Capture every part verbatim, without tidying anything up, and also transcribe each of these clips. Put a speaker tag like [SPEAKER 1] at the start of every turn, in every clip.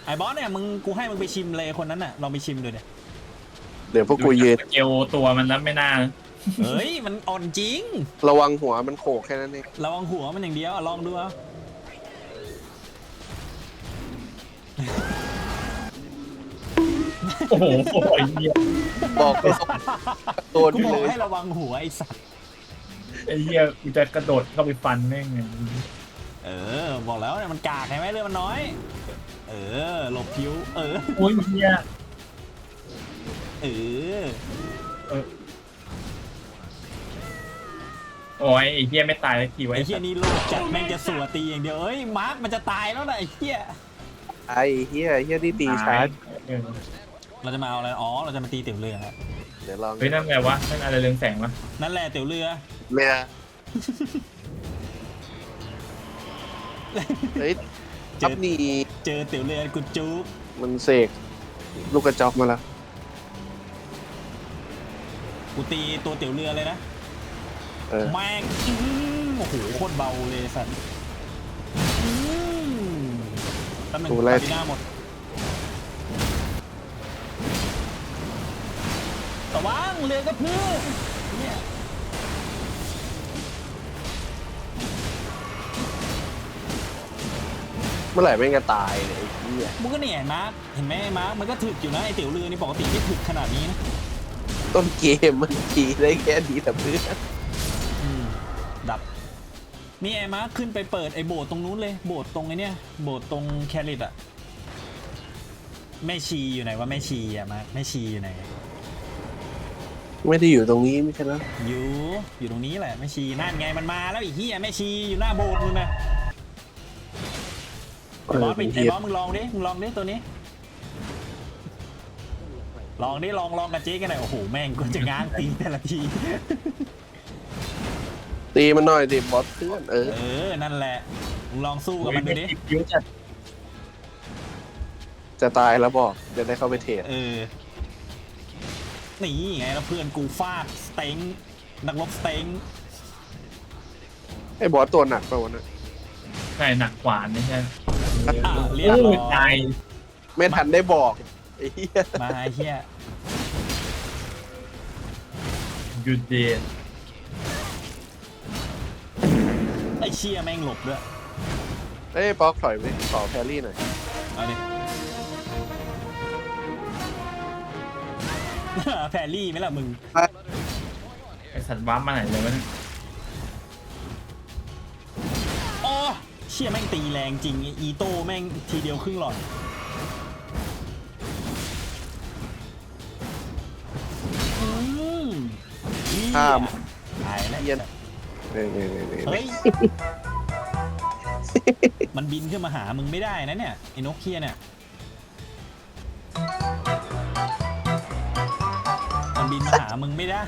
[SPEAKER 1] ไอ้บอสเนี่ยมึงกูให้มึงไปชิมเลยคนนั้นน่ะลองไปชิมดูเนี่ย
[SPEAKER 2] เดี๋ยวพวกกูยืน
[SPEAKER 3] เกลตัวมันนั้นไม่น่า
[SPEAKER 1] เฮ้ยมันอ่อนจริง
[SPEAKER 2] ระวังหัวมันโขกแค่นั้นเอง
[SPEAKER 1] ระวังหัวมันอย่างเดียวลองดูเอา
[SPEAKER 3] โอ้โหไอ้เหี้ย
[SPEAKER 2] บอกไปสองตัว
[SPEAKER 1] กู
[SPEAKER 2] ด้วย
[SPEAKER 1] บอก
[SPEAKER 2] เลย
[SPEAKER 1] ให้ระวังหัวไอ้สัตว์
[SPEAKER 3] ไอ้เหี้ยกูจะกระโดดเข้าไปฟันแม่งไง
[SPEAKER 1] เออบอกแล้วเนี่ยมันกากใช่ไหมเรื่องมันน้อย เออหลบผิวเออ
[SPEAKER 3] โอ้ยเหี้ย
[SPEAKER 1] เออ
[SPEAKER 3] เออโอ้ยไอ้เหี้ยไม่ตายแล้วกี่ไว้
[SPEAKER 1] ไอ้เฮียนี่โลกจัดแม่งจะสัวตีอย่างเดียวเอ้ยมาร์คมันจะตายแล้วนะไอ้เฮีย
[SPEAKER 2] ไอ้เฮียเฮียที่ตีชาร์จ
[SPEAKER 3] เออ
[SPEAKER 1] เราจะมาเอาอะไรอ๋อเราจะมาตีเตี๋ยวเรือ
[SPEAKER 2] เดี๋ยวลอง
[SPEAKER 3] เฮ้ยนั่นไงวะนั่นอะไรเรืองแสงวะ
[SPEAKER 1] นั่นแหละเตี๋ยวเรือ
[SPEAKER 2] เมียเฮ้ย
[SPEAKER 1] เจ
[SPEAKER 2] อั
[SPEAKER 1] อ
[SPEAKER 2] พนี่
[SPEAKER 1] เจอเตี๋ยวเรือกูจุ๊บ
[SPEAKER 2] มันเสกลูกกระจอกมาแล้ว
[SPEAKER 1] กูตีตัวเตี๋ยวเรือเลยนะ
[SPEAKER 2] เออ
[SPEAKER 1] แม่งอื้อโอ้โหโคตรเบาเลยสัตว์อื้อตำแหน่ง
[SPEAKER 2] กู
[SPEAKER 1] ตา
[SPEAKER 2] ไล่
[SPEAKER 1] บิน่าหมดระวังเรือกระพือเนี่ย
[SPEAKER 2] เมื่อไหร่ไม่งจะตายเลยไอ้เฮีย
[SPEAKER 1] มึงก็เนี่ยมาร์คเห็นไหมมาร์คมันก็ถึกอยู่นะไอเตี๋ยวเรือนี่ปกติไม่ถึกขนาดนี้นะ
[SPEAKER 2] ต้นเกมมันทีได้แค่นี้แต่เพื่อน
[SPEAKER 1] อืมดับนี่ไอ้มาร์คขึ้นไปเปิดไอ้โบสถ์ตรงนู้นเลยโบสถ์ตรงไอ้เนี่ยโบสถ์ตรงแคริตอะแม่ชีอยู่ไหนวะแม่ชีอะมาร์คแม่ชีอยู่ไหน
[SPEAKER 2] ไม่ได้อยู่ตรงนี้ไม่ใช่แล้ว
[SPEAKER 1] อยู่อยู่ตรงนี้แหละแม่ชีนั่นไงมันมาแล้วไอีเหี้ยแม่ชีอยู่หน้าโบสถ์นู่นนะไอ้บอสไป
[SPEAKER 2] เป็น
[SPEAKER 1] ไอ้
[SPEAKER 2] เฮีย
[SPEAKER 1] บอสมึงลองดิมึงลองดิตัวนี้ ลองดิลองลองกับเจ๊กันหน่อยโอ้โหแม่งกูจะง้างตีแต่ละที
[SPEAKER 2] ตีมันหน่อยดิบอสเพื่อนเออ
[SPEAKER 1] เออนั่นแหละมึงลองสู้กับมันดูดิ
[SPEAKER 3] คิ้วจัด
[SPEAKER 2] จะตายแล้วบอกจะได้เข้าไปเทรด
[SPEAKER 1] เออนี่ไงแล้วเพื่อนกูฟาดสเต็งนักรบสเต็ง
[SPEAKER 2] ไอ้บอสตัวหนักไปวันนั้น
[SPEAKER 3] ใช่หนักกว่าไม่ใช่
[SPEAKER 1] อ่ะเรียบ
[SPEAKER 3] โอ้
[SPEAKER 1] ร้อย
[SPEAKER 3] ยตาย
[SPEAKER 2] ไม่ทันได้บอกไอ้เฮีย
[SPEAKER 1] มาไอ้เหี้ย
[SPEAKER 3] หยุดเดน
[SPEAKER 1] ไอ้เชี่ยแม่งหลบด้วย
[SPEAKER 2] เอ้ยป๊อกถอยไปขอแพรรี่หน่อย
[SPEAKER 1] เอาดิ แพรรี่ไหมล่ะมึง
[SPEAKER 3] ไอสัตว์วับมาไหนเลยวะเนี่ย
[SPEAKER 1] อ๋อเชี่ยแม่งตีแรงจริงอีโต้แม่งทีเดียวครึ่งหลอดอืมเหี้ย
[SPEAKER 2] ข้าม
[SPEAKER 1] ตายแล้ว
[SPEAKER 2] เฮียเนี่ยเนี่ยเนี่ยเนี่ย
[SPEAKER 1] เฮ้ย มันบินขึ้นมาหามึงไม่ได้นะเนี่ยไอ้นกเคียเนี่ยมันบินมาหามึงไม่ได้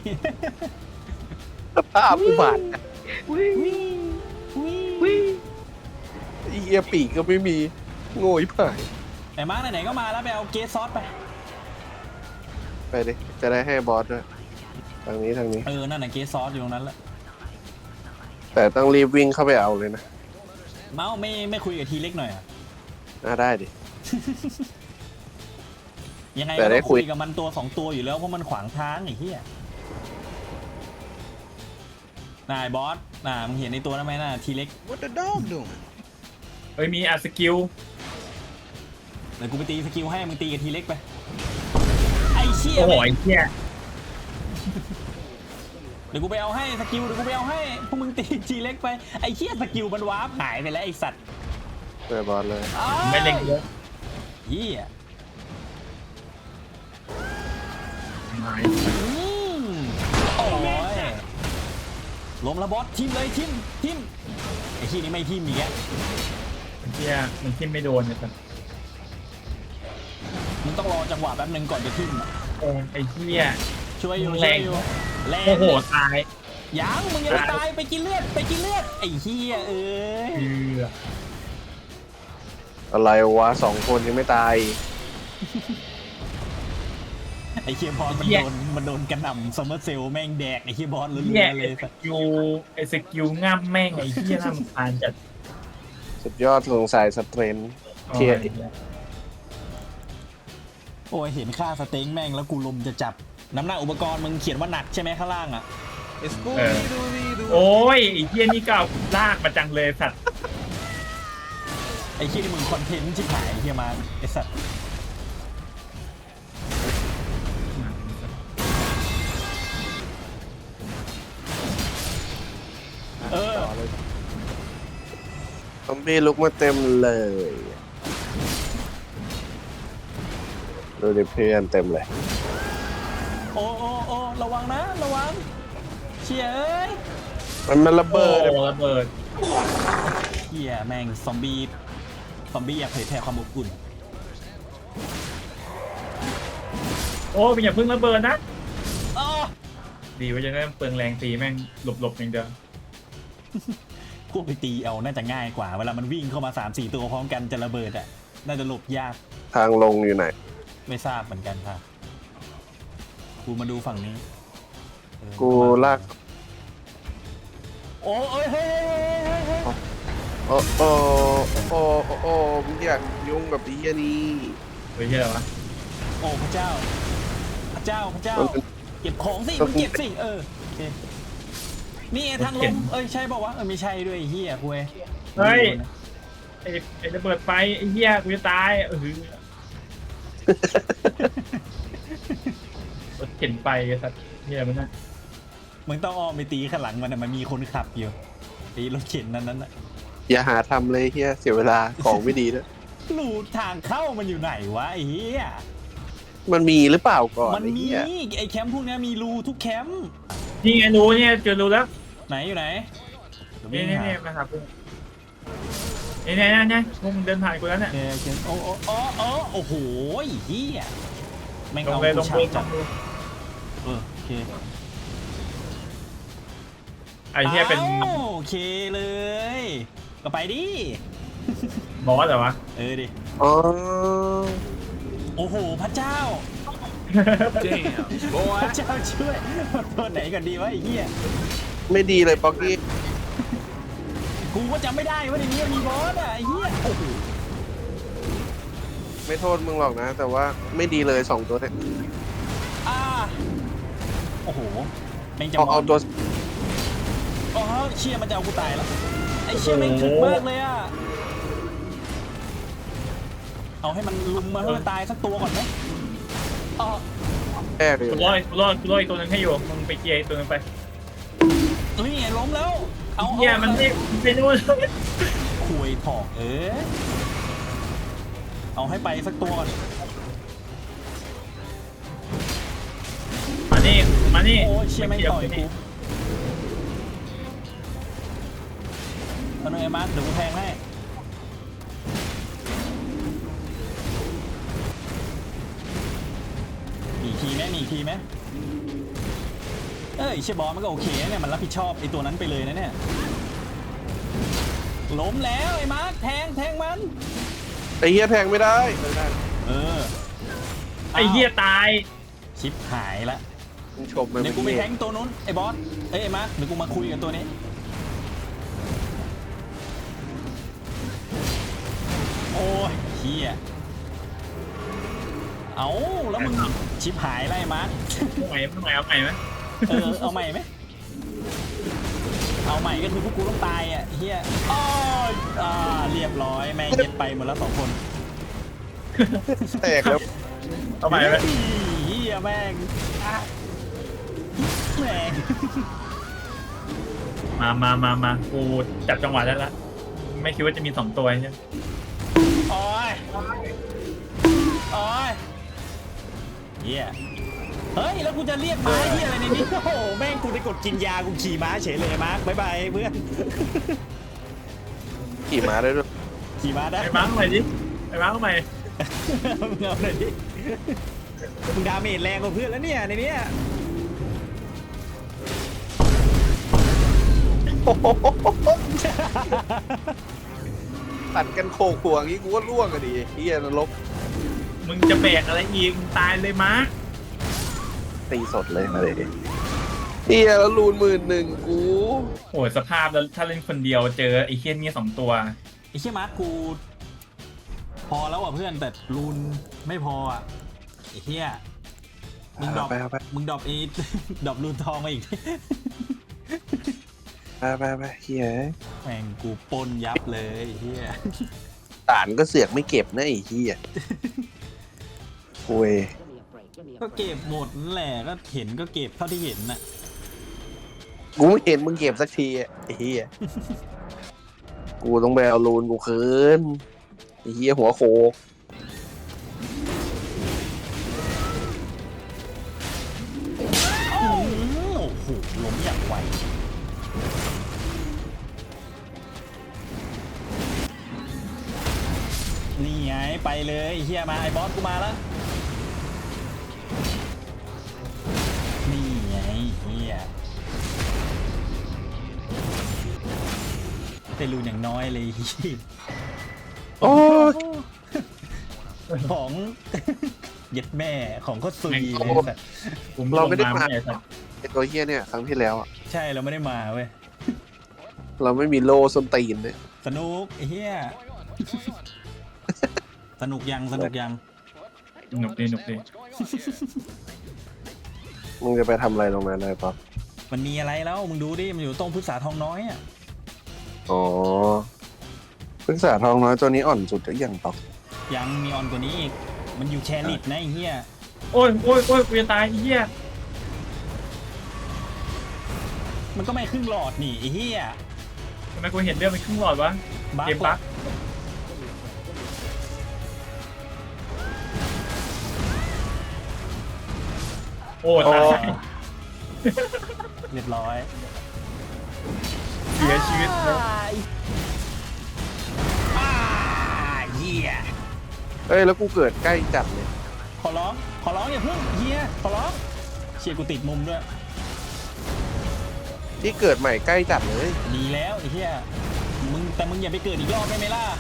[SPEAKER 2] สภาพอุบาท
[SPEAKER 1] วิ่งวิ่ง
[SPEAKER 2] ไอ้เฮียปีกก็ไม่มีโง่ยผ่าย
[SPEAKER 1] ไอ้มาร์คไหนๆก็มาแล้วไปเอาเกสซอสไป
[SPEAKER 2] ไปดิจะได้ให้บอสด้วยทางนี้ทางนี้
[SPEAKER 1] เออ นั่นน่ะเกสซอสอยู่ตรงนั้นแหละ
[SPEAKER 2] แต่ต้องรีบวิ่งเข้าไปเอาเลยนะ
[SPEAKER 1] เมาส์ไม่ไม่คุยกับทีเล็กหน่อยอ่ะ
[SPEAKER 2] น่าได้ดิ
[SPEAKER 1] ยังไง
[SPEAKER 2] แต่
[SPEAKER 1] ก็
[SPEAKER 2] ได้
[SPEAKER 1] ต้อง
[SPEAKER 2] คุ
[SPEAKER 1] คุ
[SPEAKER 2] ย
[SPEAKER 1] ยกับมันตัวสองตัวอยู่แล้วเพราะมันขวางทางไอ้เหี้ยนายบอสน่ามึงเห็นในตัวนั้นไหมน่ะทีเล็ก
[SPEAKER 4] What the dog doing?
[SPEAKER 3] เฮ้ยมีอาสกิล
[SPEAKER 1] เดี๋ยวกูไปตีสกิลให้มึงตีกับทีเล็กไปไอ้เชี่ย
[SPEAKER 3] โอ้โห
[SPEAKER 1] แม่ง
[SPEAKER 3] ไอ้เหี้ย
[SPEAKER 1] เดี๋ยวกูไปเอาให้สกิลเดี๋ยวกูไปเอาให้พวกมึงตีทีเล็กไปไอ้เชี่ยสกิลมันวาร์ปหายไปแล้วไอ้สัตว์
[SPEAKER 2] เจอบอสเลย
[SPEAKER 1] อ้าย
[SPEAKER 3] ไม่เล็งเยอะ
[SPEAKER 1] เหี้ย
[SPEAKER 3] ไม่
[SPEAKER 1] อืมโอ้ยล้มและบอสทิมเลยทิมทิมไอ้ที่นี่ไม่ทิมอีกแล้ว
[SPEAKER 3] ไอ้เหี้ยมันทิ่มไม่โดนเนี่ยสัตว์
[SPEAKER 1] มึงต้องรอจังหวะแป๊บนึงก่อนจะทิมอะ
[SPEAKER 3] โอ้ยไอ้เหี้ย
[SPEAKER 1] ช่วยอยู่
[SPEAKER 3] แร
[SPEAKER 1] ช่วย
[SPEAKER 3] ง
[SPEAKER 1] อยู่แรง
[SPEAKER 3] โอ้โหตาย
[SPEAKER 1] ยังมึงยังไม่ตายไปกินเลือดไปกินเลือดไอ้เหี้ยเอ้ย
[SPEAKER 3] เอือ
[SPEAKER 2] อะไรวะสองคนยังไม่ตาย
[SPEAKER 1] ไอ้เคียบอสมันโดนมันโดนกระหน่ำซัมเมอร์เซลแม่งแดกไอ้เคียบอสเลื
[SPEAKER 3] เนี่ย
[SPEAKER 1] อๆเล
[SPEAKER 3] ไอ้
[SPEAKER 1] ย
[SPEAKER 3] สกิลไอ้สกิลง่ำแม่งไอ้เหี้ยน่ารำคาญจัด
[SPEAKER 2] สุดยอดสงสัยสเตรน
[SPEAKER 3] โอ้
[SPEAKER 2] เทีย
[SPEAKER 3] ย
[SPEAKER 1] โอ้ยเห็นค่าสเต็งแม่งแล้วกูลมจะจับน้ำหนักอุปกรณ์มึงเขียนว่าหนักใช่ไหมข้างล่างอ่ะ
[SPEAKER 3] เออโอ้ยไอ้เหี้ยนี่ก็เอาลากมาจังเลยสัตว์
[SPEAKER 1] ไอ้เหี้ยนี่มึงคอนเทนต์ชิบหายไอ้เหี้ยมาไอ้สัตว์เออ
[SPEAKER 2] ต่อเลยซอมบี้ลุกมาเต็มเลยดูดิเพื่อนเต็มเลย
[SPEAKER 1] โอ้โอ้โอ้ระวังนะระวังเชี่ยเอ้ย
[SPEAKER 2] มันมันระ
[SPEAKER 3] โอ้
[SPEAKER 2] เบิด
[SPEAKER 3] ระเบิด
[SPEAKER 1] เหี้ยแม่งซอมบี้ซอมบี้อยากเผยแพร่ความอบอุ่น
[SPEAKER 3] โอ้ยอย่าเพิ่งระเบิดนะ
[SPEAKER 1] อ้อ
[SPEAKER 3] ดีว่าจะได้เปลืองแรงตีแม่งหลบๆอย่างเดียว
[SPEAKER 1] พวกไปตีเอาน่าจะง่ายกว่าเวลามันวิ่งเข้ามา สามสี่ ตัวพร้อมกันจะระเบิดอ่ะน่าจะหลบยาก
[SPEAKER 2] ทางลงอยู่ไหน
[SPEAKER 1] ไม่ทราบเหมือนกันค่ะกูมาดูฝั่งนี้เออ
[SPEAKER 2] กูลาก
[SPEAKER 1] โอ้เอ้ยเฮ้ยเฮ้ยเฮ้ยเฮ้ย
[SPEAKER 2] โอ้โอ้โอ้โอ้โอ้มึงอยากยุ่งกับไอ้เหี้ยนี่
[SPEAKER 3] เฮ้ยเหี้ยอะไรวะ
[SPEAKER 1] โอ้พระเจ้า พระเจ้าพระเจ้า
[SPEAKER 2] มันเป็น
[SPEAKER 1] เก็บของสิมึงเก็บสิเออโอเคนี่ไงทางลงเอ้ยใช่บอกว่าวะเออไม่ใช่ด้วยไอ้เฮียคุย
[SPEAKER 3] เฮ้ยไอ้ไอ้ระเบิดไฟไอ้เหี้ยกูจะตายเออรถเข็นไปไอ้สัตว์เหี้ยมันน่ะ
[SPEAKER 1] มึงต้องอ้อมไปตีข้างหลังมันนะมันมีคนขับอยู่ไอ้รถเข็นนั้นนั้นน่ะ
[SPEAKER 2] อย่าหาทำเลยเฮียเสียเวลาของไม่ดีด้วย
[SPEAKER 1] รูทางเข้ามันอยู่ไหนวะไอ้เฮีย
[SPEAKER 2] มันมีหรือเปล่าก่อน
[SPEAKER 1] มัน
[SPEAKER 2] ไอ้
[SPEAKER 1] มี
[SPEAKER 2] เหี้ย
[SPEAKER 1] ไอ้แคมป์พวกเนี้ยมีรูทุกแคมป์
[SPEAKER 3] นี่ไงรู้เนี่ยเจอรู้แล้ว
[SPEAKER 1] ไหนอยู่ไหนเดี๋ยววิ่
[SPEAKER 3] นี่
[SPEAKER 1] ง
[SPEAKER 3] นี่
[SPEAKER 1] หา
[SPEAKER 3] นี่มาครับกูนี่นี่นี่นี่มึงเดินผ่านกูแล้วเนี่ย
[SPEAKER 1] เออเขียนโอ้โอ้โอ้โอ้โอ้โหเฮียแม่ง
[SPEAKER 3] ลง
[SPEAKER 1] เอา
[SPEAKER 3] เลยล
[SPEAKER 1] กู
[SPEAKER 3] ง
[SPEAKER 1] ฉา
[SPEAKER 3] เล
[SPEAKER 1] บ
[SPEAKER 3] ยล
[SPEAKER 1] จัด
[SPEAKER 3] งเลย
[SPEAKER 1] เออโอเค
[SPEAKER 3] ไอ้เหี้ยเป็น
[SPEAKER 1] อ้าวโอเคเลย ก็ไปดิ
[SPEAKER 3] บอสเหรอวะ
[SPEAKER 1] เออดิ
[SPEAKER 2] อ๋อ
[SPEAKER 1] โอ้โหพระเจ้า
[SPEAKER 4] Damn,
[SPEAKER 1] พ
[SPEAKER 4] boy.
[SPEAKER 1] ระเจ้าช่วยตัวไหนก่อนดีวะไอ้เหี้ย
[SPEAKER 2] ไม่ดีเลยป๊อกกี้
[SPEAKER 1] กูก็จำไม่ได้ว่าในนี้มีบอสอ่ะไอ้เหี้ยโอ้โห
[SPEAKER 2] ไม่โทษมึงหรอกนะ แต่ว่าไม่ดีเลยสองตัวเนี่ย
[SPEAKER 1] อ่าโอ้โหแม่งจะ
[SPEAKER 2] เอา
[SPEAKER 1] ม
[SPEAKER 2] เอา
[SPEAKER 1] ง
[SPEAKER 2] ตัว
[SPEAKER 1] อ๋อเชี่ยมันจะเอากูตายแล้วไอ้เชี่ยแม่งถึกมากเลยอ่ะเอาให้มันลุมมาให้มันตายสักตัวก่อนไหมอ๋อ
[SPEAKER 2] แก้ไปอ
[SPEAKER 3] กู
[SPEAKER 2] ยู่
[SPEAKER 3] รอดกูรอดกูรอดอีกตัวหนึงให้อยู่มึงไปเกียร์อีกตัวหนึงไป
[SPEAKER 1] นี่ไงล้มแล้วเอา
[SPEAKER 3] เหี้ยมันไม่มันไม่นู่น
[SPEAKER 1] คุยถอกเออเอาให้ไปสักตัวก่อน
[SPEAKER 3] มานี่มานี่
[SPEAKER 1] โอ้ยเชี่ยแม่งต่อยกูเอาหน่อยมาร์คเดี๋ยวกูแทงให้มีอีกทีไหมมีอีกทีไหมเอ้ยเชี่ยบอลมันก็โอเคนะเนี่ยมันรับผิดชอบไอ้ตัวนั้นไปเลยนะเนี่ยล้มแล้วไอ้มาร์คแทงแทงมัน
[SPEAKER 2] ไอ้เฮียแทงไม่ได้ไม่ได้
[SPEAKER 1] เออ
[SPEAKER 3] ไอ้เหี้ยตาย
[SPEAKER 1] ชิปหายละ
[SPEAKER 2] มึงชมมัน
[SPEAKER 1] เดี๋ยวกูไปแทงตัวนู้นไอ้บอสเอ้ยไอ้มาร์คเดี๋ยวกูมาคุยกับตัวนี้โอ้ยเฮียเอาแล้วมึงชิปหายไล่มาร์ค
[SPEAKER 3] เอาใหม่เอาใหม่เอาใหม่ไหม
[SPEAKER 1] เออเอาใหม่ไหมเอาใหม่ก็คือพวกกูต้องตายอ่ะเฮียอ้อยอ่าเรียบร้อยแม่งเย็ดไปหมดแล้วสองคน
[SPEAKER 2] แตกแล้ว
[SPEAKER 3] เอาใหม่ไหม
[SPEAKER 1] เฮียแม่งอ่ะแม่ง
[SPEAKER 3] มามามามากูจับจังหวะได้ละไม่คิดว่าจะมีสองตัวใช่ไหม
[SPEAKER 1] โอ้ยโอ้ยเฮียเฮ้ยแล้วกูจะเรียกม้าเฮียอะไรในนี้โอ้โหแม่งกูได้กดกินยากูขี่ม้าเฉยเลยมาร์คบ๊ายบายเพื่อน
[SPEAKER 2] ขี่ม้าได้ด้วย
[SPEAKER 1] ขี่ม้าได้
[SPEAKER 3] ไอ้บ้างใหม่ดิไอ้บ้างใหม่
[SPEAKER 1] มึงเอาหน่อยดิมึงดาเมจแรงกว่าเพื่อนแล้วเนี่ยในเนี้ย
[SPEAKER 2] ตัดกันโขกหัวงี้กูก็ล่วงอะดิเฮียนรก
[SPEAKER 3] มึงจะแบกอะไรอีกมึงตายเลยมาร์ค
[SPEAKER 2] ตีสดเลยมาเลยเฮียแล้วรูนหมื่นหนึ่งกู
[SPEAKER 3] โหสภาพแล้วถ้าเล่นคนเดียวเจอไอ้เคียนนี่สองตัว
[SPEAKER 1] ไอ้เชี่ยมาร์คกู พอแล้วอ่ะเพื่อนแต่รูนไม่พออ่ะไอ้เหี้ยมึงดรอป
[SPEAKER 2] ไปเอาไป
[SPEAKER 1] มึงดรอปอี ดรอปรูนทองมาอีก
[SPEAKER 2] ไปไปไปเฮีย
[SPEAKER 1] แม่งกูปนยับเลยไอ้เหี้ย
[SPEAKER 2] สารก็เสือกไม่เก็บนะไอ้เฮียโอ้ย
[SPEAKER 1] ก็เก็บหมดนั่นแหละก็เห็นก็เก็บเท่าที่เห็นน่ะ
[SPEAKER 2] กูไม่เห็นมึงเก็บสักทีอะไอ้เฮียกูต้องไปเอาลูนกูคืนไอ้เฮียหัวโคก
[SPEAKER 1] โอ้โหล้มอย่างไวนี่ไงไปเลยไอ้เฮียมาไอ้บอสกูมาแล้วนี่ไงเฮียเป็นรูนอย่างน้อยเลยเหี้ย
[SPEAKER 2] โอ้ย
[SPEAKER 1] ของ เย็ดแม่ของก็ซุยเลยสัตว์
[SPEAKER 3] ผม
[SPEAKER 2] เราไม่ได้
[SPEAKER 3] ลง
[SPEAKER 2] มา
[SPEAKER 3] ไอ้สัตว์
[SPEAKER 2] ไอ้ตัวเฮียเนี่ยครั้งที่แล้วอะ
[SPEAKER 1] ใช่เราไม่ได้มาเว้ย
[SPEAKER 2] เราไม่มีโลส้นตีนเลย
[SPEAKER 1] สนุกไอ้เหี้ย สนุกยังสนุกยัง
[SPEAKER 3] หนุกดีหนุกดี
[SPEAKER 2] มึงจะไปทำอะไรตรงนั้นเลยป๊อป
[SPEAKER 1] มันมีอะไรแล้วมึงดูดิมันอยู่ตรงพฤกษาทองน้อยอ่ะ
[SPEAKER 2] อ๋อพฤกษาทองน้อยตัวนี้อ่อนสุดหรือยังป๊อป
[SPEAKER 1] ยังมีออนกว่านี้อีกมันอยู่แคริตนะไอ้เหี้ย
[SPEAKER 3] โอ้ยโอ้ยโอ้ยกูจะตายไอ้เหี้ย
[SPEAKER 1] มันก็ไม่ครึ่งหลอดนี่ไอ้เหี้ย
[SPEAKER 3] ทำไมกูเห็นเรื่องมันครึ่งหลอดวะ
[SPEAKER 1] บั๊ก
[SPEAKER 3] เกมบั๊กโอ้ตาย
[SPEAKER 1] เรียบร้อย
[SPEAKER 3] เสียชีวิตแล้ว
[SPEAKER 1] อ้าเหี้ย
[SPEAKER 2] เอ้ยแล้วกูเกิดใกล้จัดเลย
[SPEAKER 1] ขอร้องขอร้องอย่าเพิ่งเหี้ยขอร้องเชียร์กูติดมุมด้วย
[SPEAKER 2] ที่เกิดใหม่ใกล้จัดเลย
[SPEAKER 1] ดีแล้วไอ้เหี้ยมึงแต่มึงอย่าไปเกิดอีกรอบได้ไหมล่ะ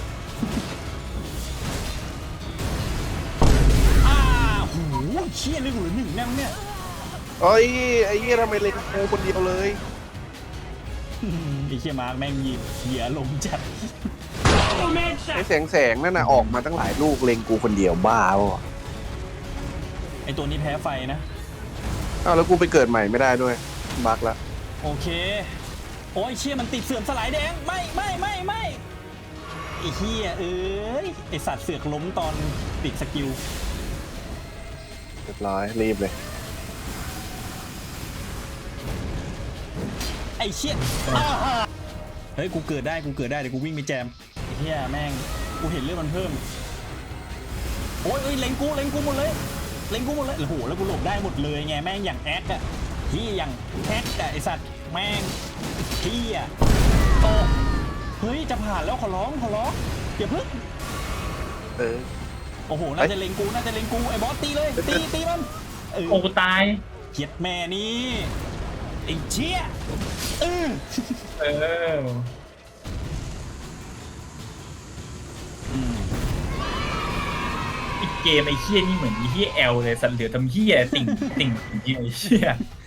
[SPEAKER 1] อ้าโหเชี่ยเลยกูเหลือหนึ่งแน่เนี่ย
[SPEAKER 2] โอ้ยไอ้เหี้ยทำไมเล็งกูคนเดียวเลย
[SPEAKER 1] ไอ้เชี่ยมาร์กแม่งหยิบเหยื่อลงจัด
[SPEAKER 2] ไอ้แสงแสงๆนั่นน่ะออกมาตั้งหลายลูกเล็งกูคนเดียวบ้าเปล่า
[SPEAKER 1] ไอ้ตัวนี้แพ้ไฟนะ
[SPEAKER 2] อ้าวแล้วกูไปเกิดใหม่ไม่ได้ด้วยบักละ
[SPEAKER 1] โอเค โอ้ยเชี่ยมันติดเสื่อมสลายแดง ไม่ไม่ไม่ไม่ไอ้เฮียเอ้ย ไอสัตว์เสือกล้มตอนติดสกิล
[SPEAKER 2] เรียบร้อยรีบเลย
[SPEAKER 1] ไอ้เชี่ยอ้าวเฮ้ย กูเกิดได้ กูเกิดได้ เดี๋ยวกูวิ่งไปแจมไอ้เฮียแม่ง กูเห็นเลือดมันเพิ่ม โอ้ยเอ้ยเล็งกู เล็งกูหมดเลย เล็งกูหมดเลย โอ้โห แล้วกูหลบได้หมดเลยไง แม่งอย่างแอคอะที่อย่างแอคอะไอสัตว์ แม่งที่อะโอ้เฮ้ย จะผ่านแล้วขอร้อง ขอร้องอย่าพึ่ง
[SPEAKER 2] เออ
[SPEAKER 1] โอ้โห น่าจะเล็งกู น่าจะเล็งกู ไอ้บอสตีเลย ตี ตีมันเออ
[SPEAKER 3] โอ้กูตาย
[SPEAKER 1] เขียดแม่นี่ไอ้เชี่ยเออ
[SPEAKER 3] เออ
[SPEAKER 1] อืม
[SPEAKER 3] อีกเกมไอ้เหี้ยนี่เหมือนไอ้เหี้ยแอลเลยสันเหลือทำเหี้ยติ่งติ่งติ่งไอ้เหี้ย